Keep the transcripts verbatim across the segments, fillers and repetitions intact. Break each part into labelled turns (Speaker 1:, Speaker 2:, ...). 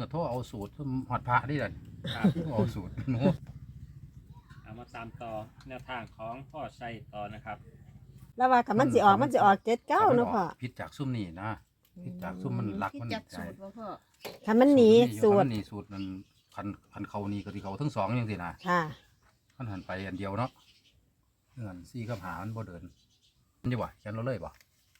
Speaker 1: โทรเอาสูตรหอดพระนี่แหละ
Speaker 2: ครับ
Speaker 1: เอาสูตรหนู
Speaker 2: เอามาตามต่อแนวทางของพ่อชัยต่อนะครับ
Speaker 3: แล้วว่าคันมันสิออกมันสิออกเจ็ดเก้าเนาะพ่อ
Speaker 1: ผิดจากซุ่มนี่นะผิดจากซุ่มมันรัก
Speaker 4: คิด
Speaker 1: มัน
Speaker 4: จาก
Speaker 1: ใจ
Speaker 4: สูตรบ่พ่อ
Speaker 3: คันมันหนีสูตร
Speaker 1: มันหนีสูตรมันคันคันเขานี่ก็ที่เขาทั้งสองอย่างสินะ
Speaker 3: ค่ะ
Speaker 1: มันหันไปอันเดียวเนาะเงินซี่กับหามันบ่เดินมันจะบ่เขียนเราเลยบ่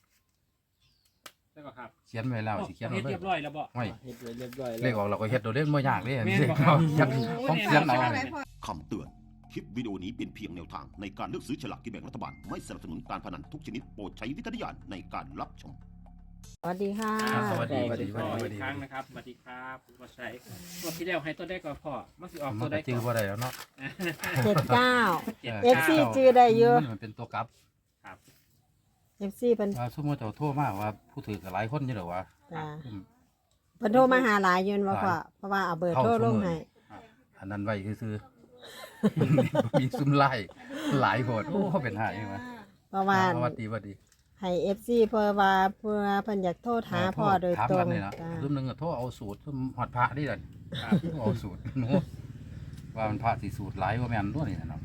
Speaker 2: แล้วก็ครับ
Speaker 1: เขียนไว้แล้วสิเขียน
Speaker 2: เฮ็
Speaker 1: เรา
Speaker 2: ด
Speaker 1: เลย
Speaker 2: เรียบร้อยแล้วบ่
Speaker 1: ไม่
Speaker 5: เฮ็ดไว้เรียบร้อย
Speaker 1: เลขออกเราก็เฮ็ดโดยเล่นบ่ยากเด้
Speaker 2: แม่น
Speaker 1: เลข
Speaker 2: บ่ครับ
Speaker 1: เขียนของเขียนเอา
Speaker 4: อะไรพ่อ
Speaker 6: คำเตือน คลิปวิดีโอนี้เป็นเพียงแนวทางในการเลือกซื้อฉลากกินแบ่งรัฐบาล ไม่สนับสนุนการพนันทุกชนิดโปรดใช้วิจารณญาณในการรับชม
Speaker 3: สวัสดีค่ะ
Speaker 1: อ่าสวัสดีสวัสดีส
Speaker 2: พ่อ
Speaker 1: วัส
Speaker 2: อีก
Speaker 1: ดี
Speaker 2: ครั้งนะครับสวัสดีครับคุณพ่อชัยงวดที่แล้วให้ตัวได้ก่อนพ่อมันสิออก
Speaker 1: มั
Speaker 2: ตั
Speaker 1: น
Speaker 2: ว
Speaker 1: ก็
Speaker 2: ได้
Speaker 1: จื้
Speaker 2: ก่
Speaker 1: อ
Speaker 2: อน
Speaker 1: บ่ได้แล้วเนาะ
Speaker 3: เจ็ดเก้า
Speaker 2: เจ็ด
Speaker 3: เอฟ
Speaker 2: เก้า
Speaker 3: ซีจื้อได้เยอะ
Speaker 1: มันเป็นตัวกลับ
Speaker 2: ครับ
Speaker 3: เอฟซีเพิ่น
Speaker 1: ว่าสมมุติเจ้าโทรมาว่าผู้ถือก็หลายคนอยู่ดอกว่า
Speaker 3: จ้า
Speaker 1: อืม
Speaker 3: เพิ่นโทรมาหาหลายอยืนว่าพ่อเพราะว่าเอาเบอร์โทรลงให้
Speaker 1: อันนั้นไว้ซื่อๆ มีซุ่มไล่หลายโหดโอ้เขาเป็นหายใช่ไหม
Speaker 3: เพราะว่า
Speaker 1: สวัสดีสวัสดี
Speaker 3: ให้เอฟซีเพื่อว่าเพื่อเพิ่นอยากโทรหาพ่อโดย
Speaker 1: ถาม
Speaker 3: ตร
Speaker 1: กั
Speaker 3: ง
Speaker 1: นเลยนะ
Speaker 3: จ้า
Speaker 1: ซุ่มหนึงก็โทรเอาสูตรซุ่มหอดพระนี่แหละ
Speaker 2: ครับ
Speaker 1: เอาสูตรหนูว่ามันพระสีสูตรหลายว่าแม่นด้วยนี่นะเนาะ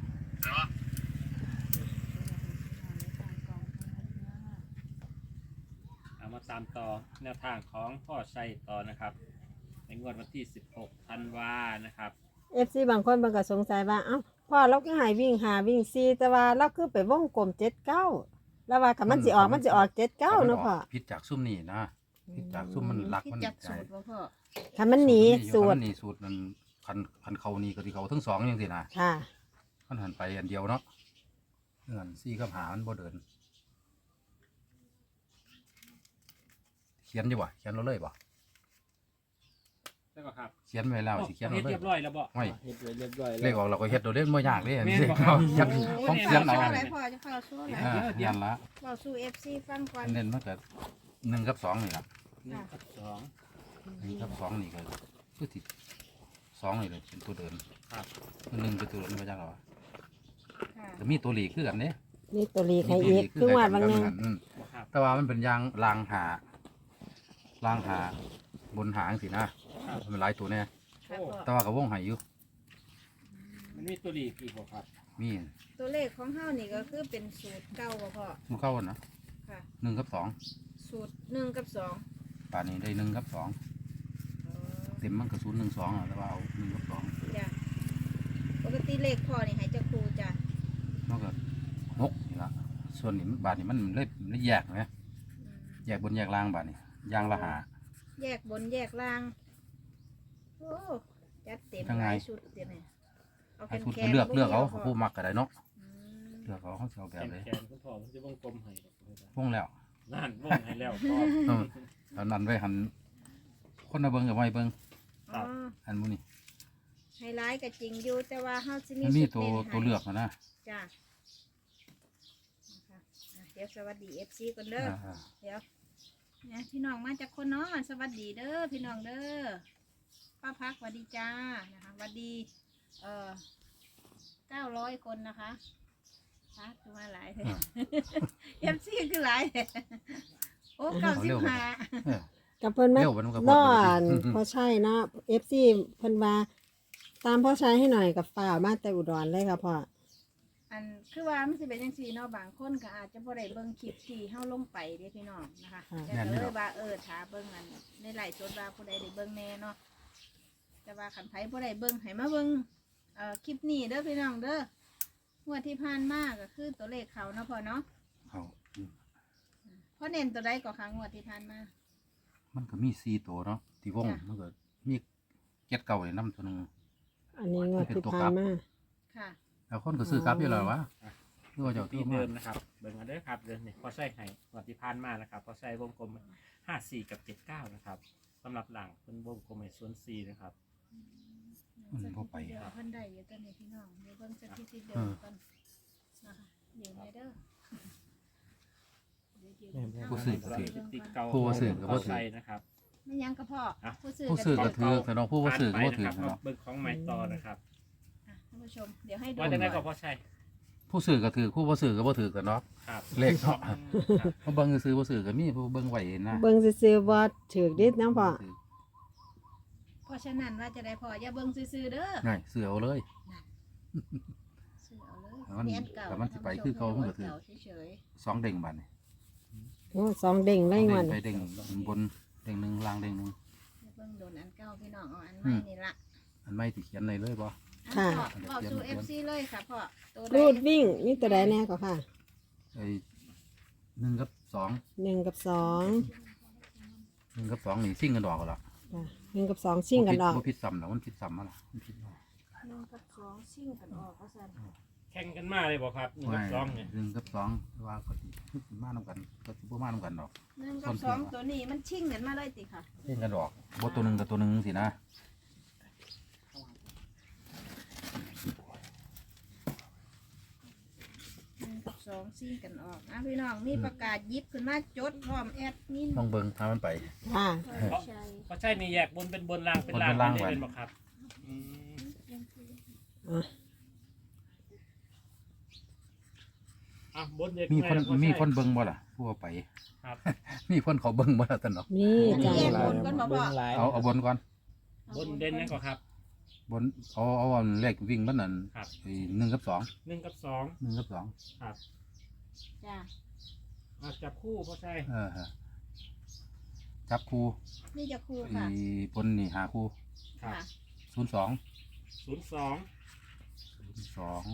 Speaker 2: เอามาตามต่อแนวทางของพ่อชัยต่อนะครับ ในงวดวันที่สิบหกธันวานะครับ
Speaker 3: เอฟซีบางคนเพิ่นก็สงสัยว่าเอ้าพ่อเราก็ให้วิ่งหาวิ่งซีแต่ว่าเราคือไปวงกลมเจ็ดเก้าแล้วว่าคันมันสิออกมันสิออกเจ็ดเก้าเนาะพ่อ
Speaker 1: ผิดจากซุ่มนี่นะผิดจากซุ่มมันรัก
Speaker 4: คิด
Speaker 1: มัน
Speaker 4: จาก
Speaker 1: ใจ
Speaker 4: สูตรบ่พ่อ
Speaker 3: คันมันหนีสูต
Speaker 1: มั
Speaker 3: ร
Speaker 1: นหนีสูตรมันคันคันเขานี่ก็ที่เขาทั้งสองอย่างสินะ
Speaker 3: ค่ะ
Speaker 1: มันหันไปอันเดียวเนาะเงินซี่กับหามันบ่เดิน เขียนอยู่บ่เขียนเราเลยบ่
Speaker 2: แล้วก็ครับ
Speaker 1: เขียนไว้แล้วสิเขียน
Speaker 2: เฮ็
Speaker 1: เรา
Speaker 2: ด
Speaker 1: เล
Speaker 2: เรี
Speaker 1: ย
Speaker 2: ยบร้อยแล้วบ่
Speaker 1: ไม่
Speaker 5: เฮ็ดไว้เรียบร้อย
Speaker 1: เลขออกเราก็เฮ็ดโดยเล่นบ่ยากเด้
Speaker 2: แม่น
Speaker 1: สิ
Speaker 2: บ่ครับ
Speaker 1: เขียนของเขียนเอา
Speaker 4: อะไรพ่อจะเข้าสู้อะไร
Speaker 1: อ่าเขียนละ
Speaker 4: เข้าสู้ เอฟ ซี ฟังก่อน
Speaker 1: เน้นมันก็หนึ่งกับสองนี่ล่ะ
Speaker 2: หนึ่งกับสอง
Speaker 1: หนึ่งกับสองนี่ก็คือที่สองนี่เลยเป็นตัวเดิน
Speaker 2: ครับ
Speaker 1: หนึ่งเป็นตัวเดินมาจากหรอ
Speaker 4: ค่ะ
Speaker 1: จะมีตัวหลีกคือกันเด้
Speaker 3: นี่ตัวลีกให้อีกคือว่าบางนึง
Speaker 1: อืม
Speaker 2: ครับ
Speaker 1: แต่ว่ามันเป็นยางรางหา รางหาบนหางสินะมันเป็นหลายตัวแน่
Speaker 4: ค่ะพ่อ
Speaker 1: แต่ว่ากับวงใหายอยู่
Speaker 2: มันมีตัวดีกี่บ่ครับ
Speaker 1: มี
Speaker 4: ตัวเลขของเฮานี่ก็คือเป็นสูตรเก่าบ่พ่อ
Speaker 1: มันเข้ากันนะ
Speaker 4: ค่ะ
Speaker 1: หนึ่งกับสอง
Speaker 4: สูตรหนึ่งกับสอง
Speaker 1: ป่านนี้ได้หนึ่งกับสอง
Speaker 4: อ๋อ
Speaker 1: เต็มมันกระสุนหนึ่งสองอะแต่ว่าเอาหนึ่งกับสอง
Speaker 4: จ้ะปกติเลขพ่อนี่ให้เจ้าครูจ้ะ
Speaker 1: มันก็หกนี่ละส่วนนี้มันบาทนี้มันเล็มันเลยแยกไหม
Speaker 4: อืม
Speaker 1: แยกบนแยกล่างบาทนี้ยางละหา
Speaker 4: แยกบนแยกล่าง โอ้จัดเต็ม
Speaker 1: ยัง
Speaker 4: ห
Speaker 1: ไง
Speaker 4: ลายชุดเดี๋ยวนี้เอา
Speaker 1: ไอ้
Speaker 4: แคน
Speaker 1: ชุด
Speaker 4: แค
Speaker 1: ก็
Speaker 4: น
Speaker 1: เลือกเลือกเอา
Speaker 4: พ่
Speaker 1: ผู้มักก็ได้เนาะ
Speaker 4: อืม
Speaker 1: เลือกเอาเขาจะเอาแบ
Speaker 2: แข
Speaker 1: บ
Speaker 2: น
Speaker 1: เลย
Speaker 2: แขนคุณพ่อผมจะวงกลมให้
Speaker 1: วงแล้ว
Speaker 2: นั่นวงให้แล้วพ่อ
Speaker 1: เออตอนนั้นไว้หันคนมาเบิ้งกับไว้เบิ้ง
Speaker 2: ครั
Speaker 4: อ๋อบ
Speaker 1: อันมูนี่
Speaker 4: ไฮไลท์ก็จริงอยู่แต่ว่าเฮาสิมี
Speaker 1: มันมี
Speaker 4: ชุด
Speaker 1: ตัว
Speaker 4: น้นให้
Speaker 1: ตัวเลือกอะนะ
Speaker 4: จ้ะนะคะอ่ะเดี๋ยวสวัสดี เอฟ ซี ก่อนเด้อ
Speaker 1: อ่า
Speaker 4: เดี๋ยวเนี่ยพี่น้องมาจากคนเนาะสวัสดีเด้อพี่น้องเด้อป้าพักสวัสดีจ้านะคะสวัสดีเอ่อเก้าร้อยคนนะคะพักคือมาหลายเลย เอฟซีคือหลายเลยโอ้เก้าสิบห้า
Speaker 1: เออ
Speaker 3: กับเพิ่นมา
Speaker 1: เร็วมันก็พ
Speaker 3: น
Speaker 1: อ
Speaker 3: อ
Speaker 1: ดี
Speaker 3: นพอใช่เนาะเอฟซีเพิ่นว่าตามพ่อใช้ให้หน่อยกับฝ่าวมาแต่อุดรเลยค่ะพ่อ
Speaker 4: อันคือว่ามันสิเป็นจังซี่เนาะบางคนก็อาจจะบ่ได้เบิ่งคลิปที่เฮาลงไปเด้พี่น้องนะคะแต่ก็เลยว่าเออถ้าเบิ่งอันในไลฟ์สดว่าผู้ใดได้เบิ่งแน่เนาะแต่ว่าคันไผบ่ได้เบิ่งให้มาเบิ่งเอ่อคลิปนี้เด้อพี่น้องเด้องวดที่ผ่านมาก็คือตัวเลขเขาเนาะพ่อเนาะ
Speaker 1: เอาอืม
Speaker 4: พ่อเน้นตัวใดก็ครั้งงวดที่ผ่านมา
Speaker 1: มันก็มีสี่ตัวเนาะที่วง
Speaker 4: จ้ะ
Speaker 1: มันก็มีเก็ดเก่าในน้ำตัวหนึง
Speaker 3: อันนี้งวดที่ผ่านมา
Speaker 4: ค่ะ
Speaker 1: แล้วคนก็ซื้อกลับอยู่แล้ววะหรือว่าเจ้า
Speaker 2: ที่
Speaker 1: ที่
Speaker 2: เดิ
Speaker 1: มาม
Speaker 2: นะครับเบิ่งกันเด้อครับเดินนี่พอใส่ให้งวดที่ผ่านมานะครับพอใส่วงกลมห้าสี่กับเจ็ดเก้านะครับสำหรับหลังเป็นวงกลมในส่วนสี่นะครับ
Speaker 1: มันพอไป
Speaker 4: เดี๋ยวเพิ่นได้อยู่ตอนนี้พี่น้องเดี๋ยวเบิ่งสถิติเดิ
Speaker 1: เอ
Speaker 4: ม
Speaker 1: อ
Speaker 4: ก่อนนะคะเดี๋ยวแม่เด้อเดี๋ยวยืน
Speaker 1: ผู้ซื้อก็ถือ
Speaker 4: เบิ่ง
Speaker 2: ติด
Speaker 4: ก่อน
Speaker 2: เก่า
Speaker 1: ผู้ว่าซื้อก็บ่ถือ
Speaker 2: ใส่นะครับ
Speaker 4: ไม่ยังกระเพาะ
Speaker 2: อ่ะ
Speaker 4: ผู้ซื้อ
Speaker 1: ผู้ซื้อก็
Speaker 4: ถื
Speaker 1: ถือแต่น้องผู้ว่าซื้อก็บ่ถือ
Speaker 2: ผ่านไปนะครั
Speaker 1: เนาะ
Speaker 2: บเบิ่งของไม้ต่อนะครับ
Speaker 4: ท่านผู้ชมเดี๋ยวให้ดู
Speaker 2: ว่าจะได้ก็พอใช่
Speaker 1: ผู้ซื้อก็ถือผู้บ่ซื้อก็บ่ถือกันเนาะ
Speaker 2: ครับ
Speaker 1: เลขเนาะ
Speaker 2: ครับ
Speaker 1: เพราะเบิ่งซื้อบ่ซื้อก็มีผู้เบิ่งไว้นะ
Speaker 3: เบิ่งซื่อๆบ่ถือดิดนะพ่อ
Speaker 4: พ่อราะฉะนั้นว่าจะได้พออย่าเบิ่งซื่อๆเด้อ
Speaker 1: ง่ายเสือเอาเลย
Speaker 4: ซื้อเอาเลย
Speaker 1: แต่มัน
Speaker 4: แม่นเก่า
Speaker 1: แต่มันสิไปคือเก่ามันก็ถือ
Speaker 4: เก่าเฉย
Speaker 1: สองเด้งบัดนี่
Speaker 3: โอ้สองเด้งเลย
Speaker 1: เด้
Speaker 3: วั
Speaker 1: ง
Speaker 3: น
Speaker 1: ไปเด้งบนเด้งหนึ่งล่างเด้งหนึ่ง
Speaker 4: ๆอย่าเบิ่งโดนอันเก่าพี่น้องเอาอัน
Speaker 1: อื
Speaker 4: ใหม่
Speaker 1: ม
Speaker 4: นี่ละ
Speaker 1: อันไม่ติเขียนในเลยบ่
Speaker 4: อันพ่อบอกสู่ เอฟ ซี เลยค่ะพ่อตัวใด
Speaker 3: รูดวิ่งนี่ตัวใดแน่ก็ค่ะ
Speaker 1: ไอ้หนึ่งกับสอง
Speaker 3: หนึ่งกับสอง
Speaker 1: หนึ่งกับสองนี่ซิ่งกันดอกก็ละ
Speaker 3: จ้ะหนึ่งกับสองชิ่งกันดอก
Speaker 1: บ่ผิดซ้ำนะมันผิดซ้ำมาละมันผิดเนาะ
Speaker 4: หนึ่งกับสองชิ่งกันออกว่าซั่น
Speaker 2: แข่งกันมาเลยบอกครับหนึ่งกับสองเนี่ย
Speaker 1: หนึ่งกับสองว่าก็สิมานํกันก็สิบ่มานํกันดอก
Speaker 4: หนึ่งกับสองตัวนี้มันชิ่งกันมาเลยติค่ะ
Speaker 1: เล่นกันดอกบ่ตัวหนึงกับตัวหนึงสินะ
Speaker 4: หนึ่งกับสองชิ่งกันออกอ่ะพี่น้องมีประกาศยิบขึ้นมาจดพร้อมแอดมิน
Speaker 1: ต้องเบิ่งถ้ามันไป
Speaker 3: ค่ะ
Speaker 4: ใช่
Speaker 2: เพราะใช่นี่แยกบนเป็นบนล่างเป็นล่าง
Speaker 1: บนเป็นล่าง
Speaker 2: ไม่ได้
Speaker 1: ไว้
Speaker 2: เป็นบอกครับอืม
Speaker 3: อ่ะ
Speaker 2: อ่ะบนเด็ก
Speaker 1: มีคน
Speaker 2: แเพราะ
Speaker 1: มี
Speaker 2: ใช่
Speaker 1: คนเบิ่งบ่ล่ะผู้เอาไป
Speaker 2: ครับ
Speaker 1: มีคนเขาเบิ่งบ่ล่ะตะเนาะ
Speaker 3: นี่จ้ะ
Speaker 4: แยกบนก่อนบ่พ่อ
Speaker 1: เอาเอาบนก่อน
Speaker 2: บนเด่นนั่นก็ครับ
Speaker 1: บนเอาเอาอันเลขวิ่งมันนั่น
Speaker 2: ครับ
Speaker 1: ไอ้หนึ่งกับสอง
Speaker 2: หนึ่งกับสอง
Speaker 1: หนึ่งกับสอง
Speaker 2: ครับ
Speaker 4: จ้ะ
Speaker 2: อ่ะจับคู่เพราะใช่
Speaker 1: เออฮะจับคู่
Speaker 4: นี่จะครู
Speaker 1: ไอ้
Speaker 4: ค่ะ
Speaker 1: บนนี่หาคู่
Speaker 2: ครับ
Speaker 4: ค่ะ
Speaker 1: ศูนย์สอง
Speaker 2: ศูนย์สอง
Speaker 1: สอง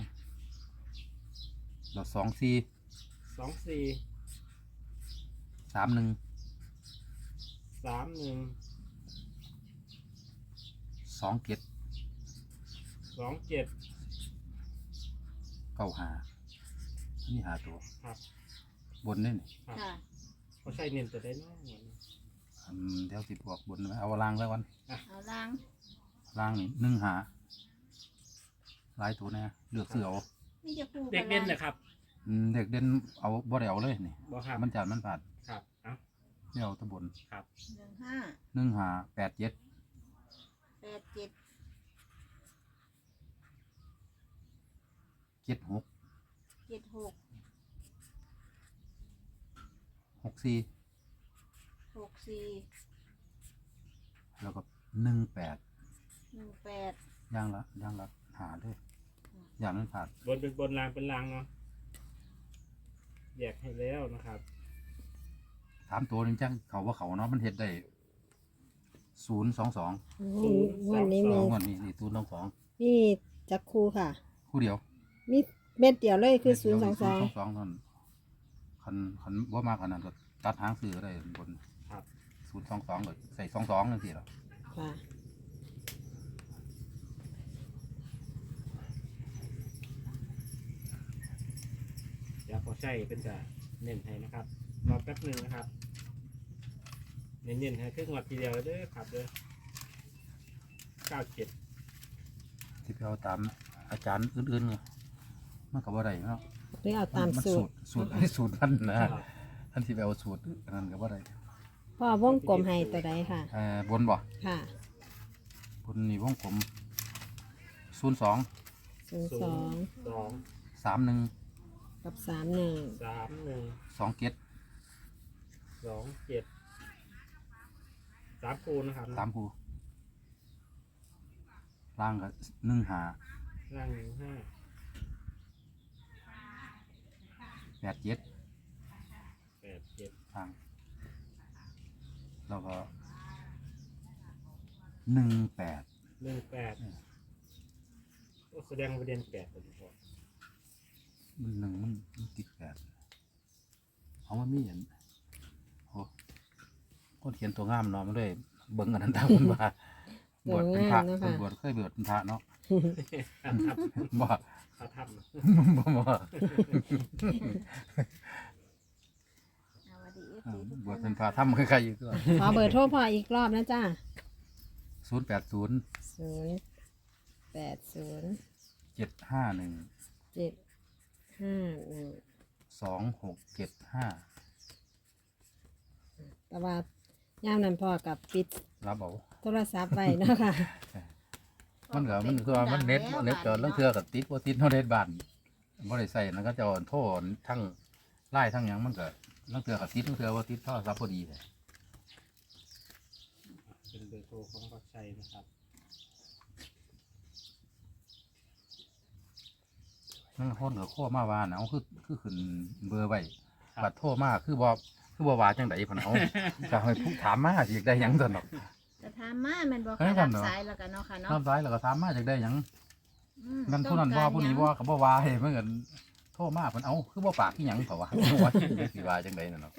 Speaker 1: แล้วสองสี่
Speaker 2: สองสี่
Speaker 1: สามหนึ่ง
Speaker 2: สามหนึ่ง
Speaker 1: สองเจ็ด
Speaker 2: สองเจ็ด
Speaker 1: เก้าหาอันนี้หาตัว
Speaker 2: ครับ
Speaker 1: บนนี่นี่
Speaker 2: ครับ
Speaker 4: ค่ะ
Speaker 2: เพราะใช่เน้นจะได้น้อย
Speaker 1: อันเดี๋ยวสิบอกบนไว้เอาล่างไว้วัน
Speaker 4: เอาล้าง
Speaker 1: ล่างนี่หนึ่งหาหลายตัวแน่เลือกซื้อเอา
Speaker 4: นี่จะครู
Speaker 2: เด็กเด่นนะครับ
Speaker 1: อืมเด็กเด่นเอาบ่ได้เอาเลยนี่
Speaker 2: บอกครับ
Speaker 1: มันจานมันผ่าน
Speaker 2: ครับเอ้า
Speaker 1: ไม่เอาตะบน
Speaker 2: ครับ
Speaker 4: หนึ่งห้า
Speaker 1: หนึ่งหาแปดเจ็ด
Speaker 4: แปดเจ็ด
Speaker 1: เจ็ดหก
Speaker 4: เจ็ดหก
Speaker 1: หกสี่
Speaker 4: หกสี่
Speaker 1: แล้วก็หนึ่งแปด
Speaker 4: หนึ่งแปด
Speaker 1: ย่างละย่างละหาด้วยอย่างนั้นผ่าน
Speaker 2: บนเป็นบนล่างเป็นล่างเนาะแยกให้แล้วนะครับ
Speaker 1: ถามตัวนึงจังเขาว่าเขาเนาะมันเห็ดได้ศูนย์สองสอง
Speaker 3: โอ้วันนี้มี
Speaker 1: งวดนี้นี่ศูนย์สองสอง
Speaker 3: มีจักคูค่ะ
Speaker 1: คู่เดียว
Speaker 3: มีเม็ดเดียวเลยคือศูนย์สองสอง
Speaker 1: สองนั่นคันคันว่ามากขนาดก็ตัดหางซื้อก็ได้บน
Speaker 2: ครับ
Speaker 1: ศูนย์สองสองก็ใส่สองสองนั่นสิหรอ
Speaker 3: ค่ะ
Speaker 2: เดี๋ยวพอใช่เป็นจะเน้นให้นะครับรอแป๊บหนึ่งนะครับ เน้นๆให้ครึ่งวัดทีเดียวเลยเด้อครับเด้อเก้าเจ็ด
Speaker 1: ที่ไปเอาตามอาจารย์อื่นๆไงมันก็บ่ได้เนาะ
Speaker 3: หรือเอาตาม
Speaker 1: น
Speaker 3: สูตร
Speaker 1: สูตรอันนี้สูตรมันนะท่านที่ไปเอาสูตรอันนั้นก็บ่ได้
Speaker 3: พ่อวงกลมให้ตัวใดค่ะ
Speaker 1: เอ่อบนบ่
Speaker 3: ค่ะ
Speaker 1: บนนี่วงกลมศูนย์สอง
Speaker 3: ศูนย์
Speaker 2: ศู
Speaker 3: สอน ง
Speaker 2: ย์สอง
Speaker 1: สามหนึ่ง
Speaker 3: กับสามหนึ่ง
Speaker 2: สามหนึ่ง
Speaker 1: สองเจ็ด
Speaker 2: สองเจ็ดสามคูณนะครับ
Speaker 1: สามคู่ล่างก็หนึ่งหา
Speaker 2: ล่างหนึ่งห้า
Speaker 1: แปดเจ็ด
Speaker 2: แปดเจ็ด
Speaker 1: ล่าง แล้วก็หนึ่งแปด
Speaker 2: หนึ่งแปดโอ้แสดงประเด็นแปดตัวพอ
Speaker 1: มันหนึ่งมันมันติดแปดเอามันมีอย่างโอ้คนเขียนตัวงามเนาะมันเลยเบิ้งอันนั้นตามมันมาบวชเป็นพระเพิ่นบวชเคยบวชเป็นพระเนาะ
Speaker 2: ทับทับ
Speaker 1: บ่
Speaker 2: ทับทับ
Speaker 1: บ่บ่
Speaker 4: เอามาดี
Speaker 1: เออบวชเป็นพระทำใครๆอยู่ตัว
Speaker 3: ขอเบอร์โทรพ่ออีกรอบนะจ้า
Speaker 1: ศูนย์แปดศูนย์
Speaker 3: ศูนย์แปดศูนย์
Speaker 1: เจ็ดห้าหนึ่ง
Speaker 3: เจ็ดห้าหนึ่ง
Speaker 1: สองหกเจ็ดห้า
Speaker 3: แต่ว่าย่ามนั้นพ่อกับปิด
Speaker 1: รับเอา
Speaker 3: โทรศัพท์ไว้เนาะค่ะ
Speaker 1: มันก็มันคือว่ามันเน็ตเน็ตก็เรื่องเทือกับติดว่าติดเท่าเน็ตบ้านบ่ได้ใส่นั่นก็จะโทษทั้งไล่ทั้งหยังมันก็เรื่องเทือกับติดเรื่องเทือว่าติดโทรศัพท์พอดีเลย
Speaker 2: เป็นเบอร์โทรตัวของพอชัยนะครับ
Speaker 1: นั่งคนก็โค้มาว่าน่ะเอาคือคือขึ้นเบอร์ไว้บัดโทรมาคือบ่คือบ่ว่าจังได๋พุ่นเอาก็ให้ผู้ถามมาสิอยากได้หยังซั่นดอก
Speaker 4: จะถามมาแม่นบ่
Speaker 1: เอ้
Speaker 4: ค่ะ
Speaker 1: ยจั
Speaker 4: รั
Speaker 1: ง
Speaker 4: บ
Speaker 1: เนาะ
Speaker 4: สายแล้วกันเนาะค่ะเนาะ
Speaker 1: รับสายแล้วก็ถามมาอยากได้หยัง
Speaker 4: อืม
Speaker 1: นั่นผู้นั้นบ่
Speaker 4: ต้องการ
Speaker 1: ผู้นี้
Speaker 4: หยัง
Speaker 1: บ่ก็บ่ว่าให้เพิ่นก็โทรมาเพิ่นเอาคือบ่ปากอีหยังเขาว่าว่าสิว่าจังได๋นั่นเนาะ